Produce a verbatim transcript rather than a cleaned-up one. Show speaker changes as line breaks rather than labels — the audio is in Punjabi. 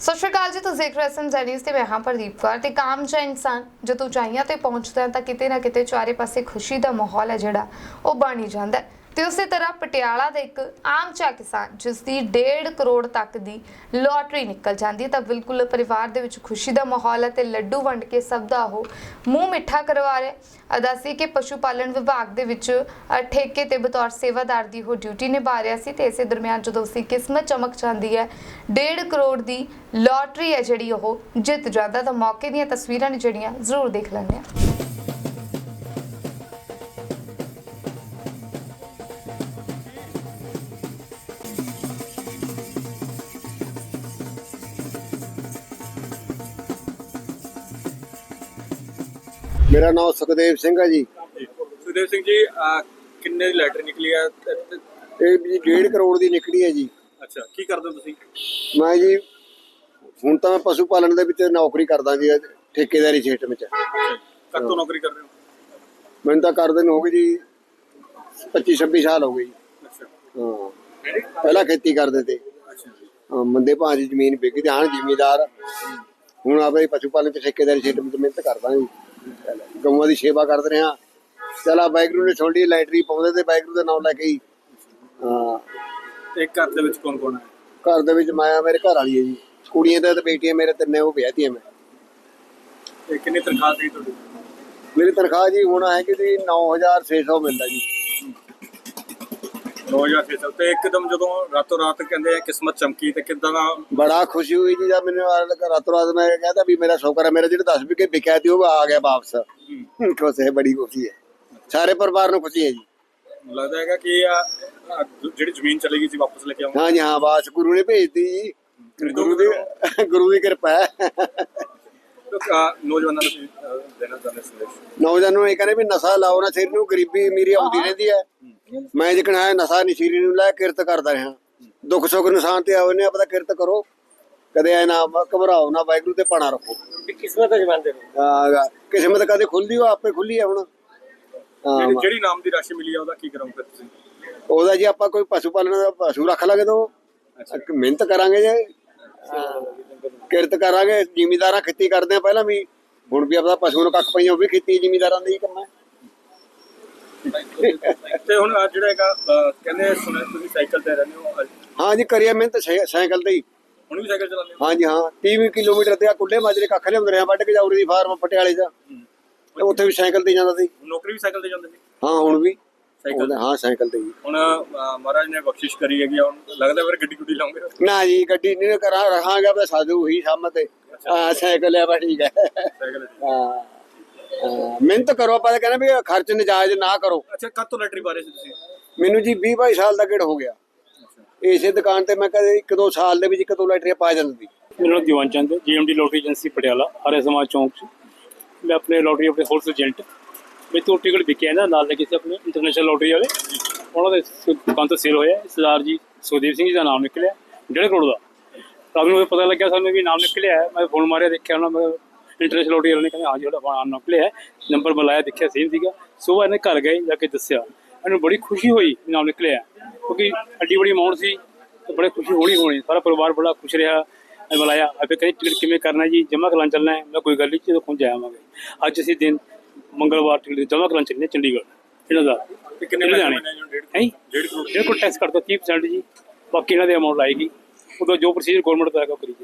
ਸਤਿ ਸ਼੍ਰੀ ਅਕਾਲ ਜੀ, ਤੁਸੀਂ ਦੇਖ ਰਹੇ ਹੋ ਜੈਨੀਸ ਤੇ ਮੈਂ ਹਾਂ ਪ੍ਰਦੀਪ ਕੌਰ। ਤੇ ਕਾਮ ਜਾਂ ਇਨਸਾਨ ਜਦੋਂ ਉਚਾਈਆਂ ਤੇ ਪਹੁੰਚਦਾ ਹੈ ਤਾਂ ਕਿਤੇ ਨਾ ਕਿਤੇ ਚਾਰੇ ਪਾਸੇ ਖੁਸ਼ੀ ਦਾ ਮਾਹੌਲ ਹੈ ਜਿਹੜਾ ਉਹ ਬਣ ਹੀ ਜਾਂਦਾ ਹੈ। ਤੇ ਉਸੇ ਤਰ੍ਹਾਂ ਪਟਿਆਲਾ ਦਾ ਇੱਕ ਆਮ ਜਿਹਾ ਕਿਸਾਨ ਜਿਸ ਦੀ ਡੇਢ ਕਰੋੜ ਤੱਕ ਦੀ ਲੋਟਰੀ ਨਿਕਲ ਜਾਂਦੀ ਹੈ ਤਾਂ ਬਿਲਕੁਲ ਪਰਿਵਾਰ ਦੇ ਵਿੱਚ ਖੁਸ਼ੀ ਦਾ ਮਾਹੌਲ ਹੈ ਤੇ ਲੱਡੂ ਵੰਡ ਕੇ ਸਭ ਦਾ ਉਹ ਮੂੰਹ ਮਿੱਠਾ ਕਰਵਾ ਰਿਹਾ। ਦੱਸੀ ਕਿ ਪਸ਼ੂ ਪਾਲਣ ਵਿਭਾਗ ਦੇ ਵਿੱਚ ਠੇਕੇ ਤੇ ਬਤੌਰ ਸੇਵਾਦਾਰ ਦੀ ਉਹ ਡਿਊਟੀ ਨਿਭਾ ਰਿਹਾ ਸੀ ਤੇ ਇਸੇ ਦਰਮਿਆਨ ਜਦੋਂ ਉਸਦੀ ਕਿਸਮਤ ਚਮਕ ਜਾਂਦੀ ਹੈ, ਡੇਢ ਕਰੋੜ ਦੀ ਲੋਟਰੀ ਹੈ ਜਿਹੜੀ ਉਹ ਜਿੱਤ ਜਾਂਦਾ ਤਾਂ ਮੌਕੇ ਦੀਆਂ ਤਸਵੀਰਾਂ ਨੇ ਜਿਹੜੀਆਂ ਜ਼ਰੂਰ ਦੇਖ ਲੈਂਦੇ ਹਾਂ।
मेरा नाम सुखदेव सिंह है जी।
सुखदेव सिंह जी आ, किन्ने दी लैटरी निकली है?
ਇਹ ਜੀ डेढ़ करोड़ ਦੀ ਨਿਕਲੀ ਹੈ ਜੀ।
ਅੱਛਾ, ਕੀ ਕਰਦੇ ਹੋ ਤੁਸੀਂ?
ਮੈਂ ਜੀ ਹੁਣ ਤਾਂ ਮੈਂ ਪਸ਼ੂ ਪਾਲਣ ਦੇ ਵਿੱਚ ਨੌਕਰੀ ਕਰਦਾ ਜੀ, ਠੇਕੇਦਾਰੀ ਸਿਸਟਮ ਵਿੱਚ।
ਕਦ ਤੋਂ ਨੌਕਰੀ ਕਰ ਰਹੇ ਹੋ?
ਮੈਨੂੰ ਤਾਂ ਕਰਦੇ ਨੂੰ ਹੋ ਗਈ ਜੀ ਪੱਚੀ ਛੱਬੀ ਸਾਲ ਹੋ ਗਏ ਜੀ।
ਅੱਛਾ
ਹਾਂ, ਪਹਿਲਾਂ ਖੇਤੀ ਕਰਦੇ ਤੇ।
ਅੱਛਾ
ਹਾਂ, ਮੰਦੇ ਭਾਅ ਦੀ ਜ਼ਮੀਨ ਵਿਕ ਗਈ, ਹਾਂ ਜ਼ਿਮੀਦਾਰ ਹੁਣ ਆਪਣੇ ਪਸ਼ੂ ਪਾਲਣ ਤੇ ਠੇਕੇਦਾਰੀ ਸਿਸਟਮ ਵਿੱਚ ਮਿਹਨਤ ਕਰਦਾ ਜੀ। ਗਊਆਂ ਦੀ ਸੇਵਾ ਕਰਦੇ ਰਹੇ ਹਾਂ। ਚਲਾ ਵਾਹਿਗੁਰੂ ਨੇ ਛੋਟੀ ਲਾਈਟਰੀ ਪਾਉਂਦੇ ਤੇ ਵਾਹਿਗੁਰੂ ਦਾ ਨਾਮ ਲੈ ਕੇ ਹੀ। ਹਾਂ,
ਤੇ ਘਰ ਦੇ ਵਿੱਚ ਕੌਣ ਕੌਣ ਹੈ?
ਘਰ ਦੇ ਵਿੱਚ ਮੈਂ ਮੇਰੇ ਘਰ ਵਾਲੀ ਹੈ ਜੀ, ਕੁੜੀਆਂ ਤੇ ਬੇਟੀਆਂ ਮੇਰੇ ਤਿੰਨੇ ਉਹ ਵਿਆਹਤੀਆਂ ਮੈਂ।
ਤੇ ਕਿੰਨੀ ਤਨਖਾਹ ਸੀ ਤੁਹਾਡੀ?
ਮੇਰੀ ਤਨਖਾਹ ਜੀ ਹੁਣ ਹੈ ਕਿ ਜੀ ਨੌ ਹਜ਼ਾਰ ਛੇ ਸੌ ਮਿਲਦਾ ਜੀ।
ਨੌ ਹਜ਼ਾਰ ਛੇ ਸੌ। ਤੇ ਇੱਕਦਮ ਜਦੋਂ ਰਾਤੋਂ ਰਾਤ ਕਹਿੰਦੇ ਆ ਕਿਸਮਤ ਚਮਕੀ ਤੇ ਕਿੱਦਾਂ ਦਾ?
ਬੜਾ ਖੁਸ਼ੀ ਹੋਈ ਜੀ ਜਦ ਮੈਨੂੰ ਰਾਤੋਂ ਰਾਤ ਮੈਂ ਕਹਿੰਦਾ ਵੀ ਮੇਰਾ ਸ਼ੌਕਰ ਹੈ, ਮੇਰਾ ਜਿਹੜਾ ਦਸ ਵਿਕੇ ਵਿਕਿਆ ਸੀ ਉਹ ਆ ਗਿਆ ਵਾਪਸ। ਖੁਸ਼ ਹੈ, ਬੜੀ ਖੁਸ਼ੀ ਹੈ, ਸਾਰੇ ਪਰਿਵਾਰ ਨੂੰ ਖੁਸ਼ੀ ਹੈ ਜੀ।
ਲੱਗਦਾ ਹੈਗਾ ਕਿ ਆ ਆ ਜਿਹੜੀ ਜ਼ਮੀਨ ਚਲੀ ਗਈ ਸੀ ਵਾਪਸ ਲੈ ਕੇ ਆਉਂਗਾ?
ਹਾਂ ਜੀ ਹਾਂ, ਬਾਸ ਗੁਰੂ ਨੇ ਭੇਜਤੀ ਜੀ, ਗੁਰੂ ਦੀ ਗੁਰੂ ਦੀ ਕਿਰਪਾ ਹੈ।
ਨੌਜਵਾਨਾਂ ਨੂੰ ਦੇਣਾ ਚਾਹੁੰਦੇ ਸੰਦੇਸ਼?
ਨੌਜਵਾਨਾਂ ਨੂੰ ਇਹ ਕਹਿੰਦੇ ਵੀ ਨਸ਼ਾ ਲਾਓ ਨਾ, ਸਿਰ ਨੂੰ ਗਰੀਬੀ ਅਮੀਰੀ ਆਉਂਦੀ ਰਹਿੰਦੀ ਹੈ। ਮੈਂ ਜਿਕਣ ਹੈ ਨਸ਼ਾ ਨਹੀਂ ਸਿਰ ਨੂੰ ਲੈ ਕਿਰਤ ਕਰਦਾ ਰਿਹਾ। ਦੁੱਖ ਸੁੱਖ ਨਿਸ਼ਾਨ ਤੇ ਆਓ ਨੇ ਆਪਦਾ ਕਿਰਤ ਕਰੋ, ਕਦੇ ਐ ਨਾ ਘਬਰਾਓ ਨਾ, ਵਾਹਿਗੁਰੂ ਤੇ ਪਾਣਾ ਰੱਖੋ।
ਕਿਸਮਤ ਜਮਾਂਦੇ
ਹਾਂ, ਕਿਸਮਤ ਕਦੇ ਖੁੱਲਦੀ ਉਹ ਆਪੇ ਖੁੱਲੀ ਹੈ। ਹੁਣ
ਜਿਹੜੀ ਜਿਹੜੀ ਨਾਮ ਦੀ ਰਾਸ਼ੀ ਮਿਲੀ ਆ ਉਹਦਾ ਕੀ ਕਰੋਗੇ ਤੁਸੀਂ?
ਉਹਦਾ ਜੀ ਆਪਾਂ ਕੋਈ ਪਸ਼ੂ ਪਾਲਣ ਦਾ ਪਸ਼ੂ ਰੱਖ ਲਾਂਗੇ ਤਾਂ ਮਿਹਨਤ ਕਰਾਂਗੇ ਜੀ, ਕਿਰਤ ਕਰਾਂਗੇ। ਜ਼ਿਮੀਦਾਰਾਂ ਖੇਤੀ ਕਰਦੇ ਆ ਪਹਿਲਾਂ ਵੀ, ਹੁਣ ਵੀ ਆਪਦਾ ਪਸ਼ੂ ਨੂੰ ਕੱਖ ਪਈਆਂ ਉਹ ਵੀ ਖੇਤੀ ਜ਼ਿਮੀਦਾਰਾਂ ਦਾ ਹੀ ਕੰਮ ਹੈ।
ਤੇ ਹੁਣ ਅੱਜ ਜਿਹੜਾ ਹੈਗਾ ਕਹਿੰਦੇ ਸੁਣਿਆ ਤੁਸੀਂ ਸਾਈਕਲ ਤੇ ਰਹਿੰਦੇ ਹੋ?
ਹਾਂ ਜੀ, ਕਰੀਏ ਮਿਹਨਤ ਸਾਈਕਲ ਤੇ ਹੀ।
ਹੁਣ ਵੀ ਸਾਈਕਲ ਚਲਾਉਂਦੇ ਹੋ?
ਹਾਂ ਜੀ ਹਾਂ, ਤੀਹ ਕਿਲੋਮੀਟਰ ਤੇ ਆ ਕੁੱਲੇ ਮਾਜਰੇ ਕੱਖ ਲਿਆਉਂਦੇ ਰਹੇ ਵੱਢ ਕੇ ਜਾਉਰੀ ਦੀ ਫਾਰਮ ਪਟਿਆਲੇ ਦਾ, ਉੱਥੇ ਵੀ ਸਾਈਕਲ ਤੇ ਜਾਂਦਾ ਸੀ।
ਨੌਕਰੀ ਵੀ ਸਾਈਕਲ ਤੇ ਜਾਂਦੇ ਸੀ?
ਹਾਂ, ਹੁਣ ਵੀ
ਸਾਈਕਲ?
ਹਾਂ, ਸਾਈਕਲ ਤੇ ਹੀ।
ਹੁਣ ਮਹਾਰਾਜ ਨੇ ਬਖਸ਼ਿਸ਼ ਕਰੀ ਹੈਗੀ, ਹੁਣ ਲੱਗਦਾ ਫਿਰ ਗੱਡੀ ਗੁੱਡੀ ਲਾਉਂਗੇ?
ਨਾ ਜੀ, ਗੱਡੀ ਨਹੀਂ ਕਰਾਂ ਰਹਾਂਗਾ ਬਸ ਸਾਧੂ ਹੀ ਸਾਹਮਣੇ ਤੇ। ਹਾਂ, ਸਾਈਕਲ ਹੈ ਬਸ, ਠੀਕ ਹੈ।
ਸਾਈਕਲ?
ਹਾਂ, ਮਿਹਨਤ ਕਰੋ, ਆਪਾਂ ਤਾਂ ਕਹਿੰਦੇ ਵੀ ਖਰਚ ਨਜਾਇਜ਼ ਨਾ ਕਰੋ।
ਅੱਛਾ, ਕਦ ਤੋਂ ਲੈਟਰੀ ਪਾ ਰਹੇ ਸੀ ਤੁਸੀਂ?
ਮੈਨੂੰ ਜੀ ਵੀਹ ਬਾਈ ਸਾਲ ਦਾ ਗੇੜ ਹੋ ਗਿਆ। ਇਸੇ ਦੁਕਾਨ ਤੇ ਮੈਂ ਕਦੇ ਇੱਕ ਦੋ ਸਾਲ ਦੇ ਵਿੱਚ ਇੱਕ ਦੋ ਲੈਟਰੀਆਂ ਪਾ ਜਾਂਦੀ।
ਮੇਰਾ ਨਾਮ Diwan Chand, GMD lottery agency Patiala, Arya Samaj ਚੌਂਕ 'ਚ। ਮੈਂ ਆਪਣੇ ਲੋਟਰੀ ਆਪਣੇ ਹੋਲਸੇਲ ਏਜੰਟ ਮੇਰੇ ਤੋਂ ਟਿਕਟ ਵਿਕਿਆ ਨਾ, ਨਾਲ ਲੱਗੇ ਸੀ ਆਪਣੇ ਇੰਟਰਨੈਸ਼ਨਲ ਲੋਟਰੀ ਵਾਲੇ, ਉਹਨਾਂ ਦੇ ਦੁਕਾਨ ਤੋਂ ਸੇਲ ਹੋਇਆ। ਸਰਦਾਰ ਜੀ ਸੁਖਦੇਵ ਸਿੰਘ ਜੀ ਦਾ ਨਾਮ ਨਿਕਲਿਆ, ਡੇਢ ਕਰੋੜ ਦਾ। ਰਾਤ ਨੂੰ ਪਤਾ ਲੱਗਿਆ ਸਾਨੂੰ ਵੀ ਨਾਮ ਨਿਕਲਿਆ ਹੈ। ਮੈਂ ਫੋਨ ਮਾਰਿਆ, ਦੇਖਿਆ ਉਹਨਾਂ ਮੈਂ ਇੰਟਰਨੈਸ਼ਨਲ ਲੋਟਰੀ ਵਾਲੇ ਨੇ ਕਹਿੰਦੇ ਹਾਂ ਜੀ ਤੁਹਾਡਾ ਨਾਮ ਨਿਕਲਿਆ ਹੈ। ਨੰਬਰ ਬੁਲਾਇਆ, ਦੇਖਿਆ ਸੇਮ ਸੀਗਾ। ਸੁਬਾਹ ਇਹਨੇ ਘਰ ਗਏ, ਜਾ ਕੇ ਦੱਸਿਆ, ਇਹਨੂੰ ਬੜੀ ਖੁਸ਼ੀ ਹੋਈ ਨਾਮ ਨਿਕਲਿਆ, ਕਿਉਂਕਿ ਐਡੀ ਬੜੀ ਅਮਾਊਂਟ ਸੀ ਤੇ ਬੜੀ ਖੁਸ਼ੀ ਹੋਣੀ ਹੋਣੀ। ਸਾਰਾ ਪਰਿਵਾਰ ਬੜਾ ਖੁਸ਼ ਰਿਹਾ। ਮੈਂ ਬੁਲਾਇਆ, ਆਪੇ ਕਹਿੰਦੇ ਟਿਕਟ ਕਿਵੇਂ ਕਰਨਾ ਜੀ? ਜਮ੍ਹਾਂ ਕਰਾਂ ਚੱਲਣਾ ਹੈ? ਮੈਂ ਕੋਈ ਗੱਲ ਨਹੀਂ, ਜਦੋਂ ਪਹੁੰਚ ਜਾਵਾਂਗੇ। ਅੱਜ ਅਸੀਂ ਦਿਨ ਮੰਗਲਵਾਰ ਟਿਕਟ ਜਮ੍ਹਾਂ ਕਰਾਂ ਚੱਲਣੇ ਚੰਡੀਗੜ੍ਹ ਇਹਨਾਂ ਦਾ।
ਕਿੰਨੇ
ਲੁਧਿਆਣੇ
ਹੈ?
ਡੇਢ ਕਰੋੜ ਟੈਕਸ ਕਰਦਾ ਤੀਹ ਪਰਸੈਂਟ ਜੀ, ਬਾਕੀ ਇਹਨਾਂ ਦੇ ਅਮਾਊਂਟ ਆਏਗੀ। ਉਦੋਂ ਜੋ ਪ੍ਰੋਸੀਜਰ ਗੌਰਮੈਂਟ ਦਾ ਹੈਗਾ ਕਰੀਏ।